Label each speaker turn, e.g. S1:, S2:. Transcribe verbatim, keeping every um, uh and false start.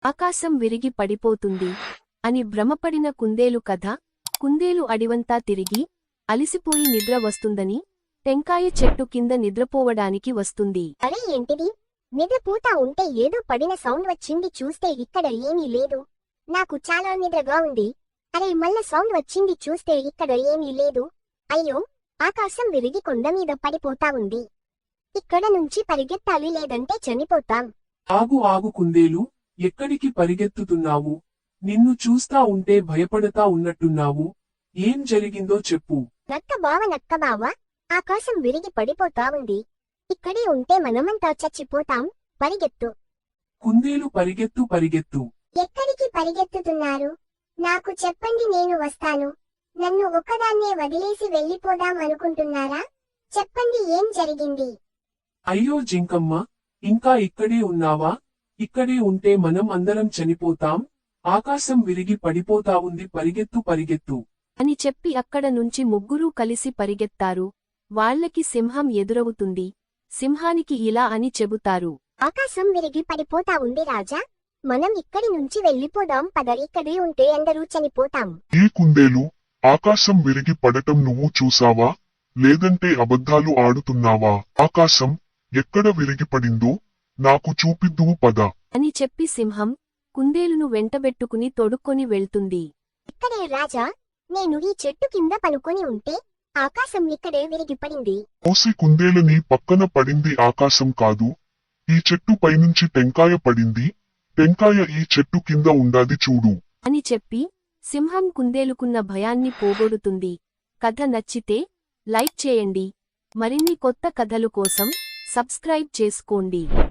S1: ఆకాశం విరిగి పడిపోతుంది అని భ్రమపడిన కుందేలు కథ. కుందేలు అడివంతా తిరిగి అలిసిపోయి నిద్ర వస్తుందని టెంకాయ చెట్టు కింద నిద్రపోవడానికి వస్తుంది.
S2: అరే ఏంటిది, నిద్రపోతా ఉంటే ఏదో పడిన సౌండ్ వచ్చింది, చూస్తే ఇక్కడ ఏమీ లేదు. నాకు చాలా నిద్రగా ఉంది. అరే మళ్ళ సౌండ్ వచ్చింది, చూస్తే ఇక్కడ ఏమీ లేదు. అయ్యో, ఆకాశం విరిగి కొండ మీద పడిపోతా ఉంది. ఇక్కడ నుంచి పరిగెత్తాలి, లేదంటే చనిపోతాం.
S3: ఆగు ఆగు కుందేలు, ఎక్కడికి పరిగెత్తుతున్నావు? నిన్ను చూస్తా ఉంటే భయపడతా ఉన్నట్టున్నావు. ఏం జరిగిందో చెప్పు.
S2: నక్క బావ నక్క బావ, ఆకాశం విరిగి పడిపోతా ఉంది. ఇక్కడే ఉంటే మనమంతా చచ్చిపోతాం. పరిగెత్తు.
S3: కుందేలు పరిగెత్తు పరిగెత్తు.
S2: ఎక్కడికి పరిగెత్తుతున్నారు? నాకు చెప్పండి, నేను వస్తాను. నన్ను ఒక్కదాన్నే వదిలేసి వెళ్ళిపోదాం అనుకుంటున్నారా? చెప్పండి, ఏం జరిగింది?
S3: అయ్యో జింకమ్మ, ఇంకా ఇక్కడే ఉన్నావా? ఇక్కడే ఉంటే మనం అందరం చనిపోతాం. ఆకాశం విరిగి పడిపోతా ఉంది, పరిగెత్తు పరిగెత్తు
S1: అని చెప్పి అక్కడ నుంచి ముగ్గురూ కలిసి పరిగెత్తారు. వాళ్లకి సింహం ఎదురవుతుంది. సింహానికి ఇలా అని చెబుతారు.
S2: ఆకాశం విరిగి పడిపోతా ఉంది రాజా, మనం ఇక్కడి నుంచి వెళ్ళిపోదాం పద. ఇక్కడే ఉంటే అందరూ చనిపోతాం.
S4: ఈ కుందేలు, ఆకాశం విరిగి పడటం నువ్వు చూసావా? లేదంటే అబద్ధాలు ఆడుతున్నావా? ఆకాశం ఎక్కడ విరిగి పడిందో నాకు చూపిద్దువు పద
S1: అని చెప్పి సింహం కుందేలును వెంటబెట్టుకుని తొడుక్కొని వెళ్తుంది.
S2: ఇక్కడే రాజా, నేను ఈ చెట్టు కింద పనుకొని ఉంటే ఆకాశం ఇక్కడే విరిగి పడింది.
S4: ఓసి కుందేలని పక్కన పడింది ఆకాశం కాదు, ఈ చెట్టు పైనుంచి టెంకాయ పడింది. టెంకాయ ఈ చెట్టు కింద ఉండాది చూడు
S1: అని చెప్పి సింహం కుందేలుకున్న భయాన్ని పోగొడుతుంది. కథ నచ్చితే లైక్ చేయండి. మరిన్ని కొత్త కథలు కోసం సబ్స్క్రైబ్ చేసుకోండి.